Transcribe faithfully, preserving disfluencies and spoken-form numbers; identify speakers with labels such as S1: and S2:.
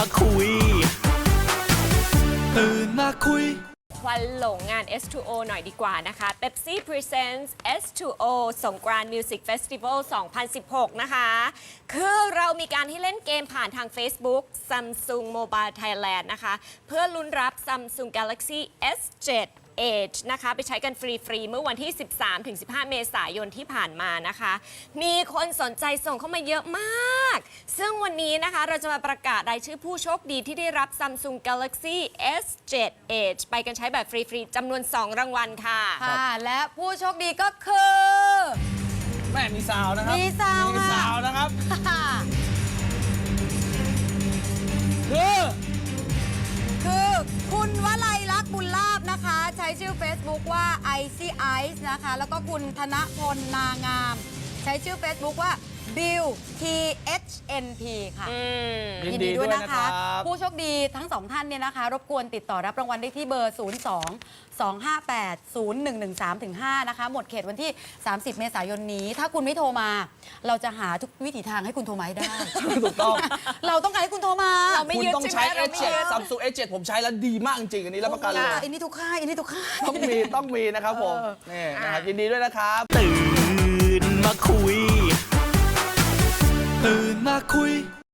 S1: คุยตื่นมาคุย
S2: ควันหลงงาน เอส ทู โอ หน่อยดีกว่านะคะ Pepsi Presents เอส ทู โอ สงกรานต์ Music Festival สองพันสิบหก นะคะ คือเรามีการให้เล่นเกมผ่านทาง Facebook Samsung Mobile Thailand นะคะ เพื่อลุ้นรับ Samsung Galaxy เอส เซเว่น Edge นะคะไปใช้กันฟรีๆเมื่อวันที่ สิบสามถึงสิบห้า เมษายนที่ผ่านมานะคะ มีคนสนใจส่งเข้ามาเยอะมาก ซึ่งวันนี้นะคะเราจะมาประกาศรายชื่อผู้โชคดีที่ได้รับ Samsung Galaxy เอส เซเว่น Edge ไปกันใช้แบบฟรีๆจำนวน สอง รางวัลค่ะ
S3: ค่ะ และผู้โชคดีก็คือ
S4: แม่มีซาวนะครับ
S3: มีซาว
S4: มี
S3: ค่ะ
S4: ซาวนะครับคือ
S3: คือคุณวลัยลักษณ์บุญลาภนะคะ ใช้ชื่อ Facebook ว่า Icy Ice นะคะ แล้วก็คุณธนพลนางาม ใช้ชื่อ Facebook ว่า Bill ที เอช เอ็น พี ค่ะ ยินดีด้วยนะคะ ผู้โชคดีทั้งสองท่านเนี่ยนะคะ รบกวนติดต่อรับรางวัลได้ที่เบอร์ ศูนย์ สอง สอง ห้า แปด ศูนย์ หนึ่ง หนึ่ง สาม ห้า นะคะ หมดเขตวันที่ สามสิบ เมษายนนี้ ถ้าคุณไม่โทรมา เราจะหาทุกวิถีทางให้คุณโทรมาให้ได้
S4: ถูกต้อง
S3: เราต้องการให้คุณโทรมา
S2: เราไม่
S4: คุณ
S2: ยึด
S4: ต้อง
S2: ใช่ไหม
S4: ใช้
S2: เรา
S4: เอส
S2: ไม่
S4: เจ็ด
S2: ยึด
S4: Samsung เอส เจ็ด ผมใช้แล้วดีมากจริงๆอันนี้รับประกันเลย
S3: อันนี้ทุกค่ายอันนี้ทุกค่าย
S4: ต้องมีต้องมีนะครับผมนี่นะครับยินดีด้วยนะครับ
S1: ตื่นมาคุยตื่นมาคุย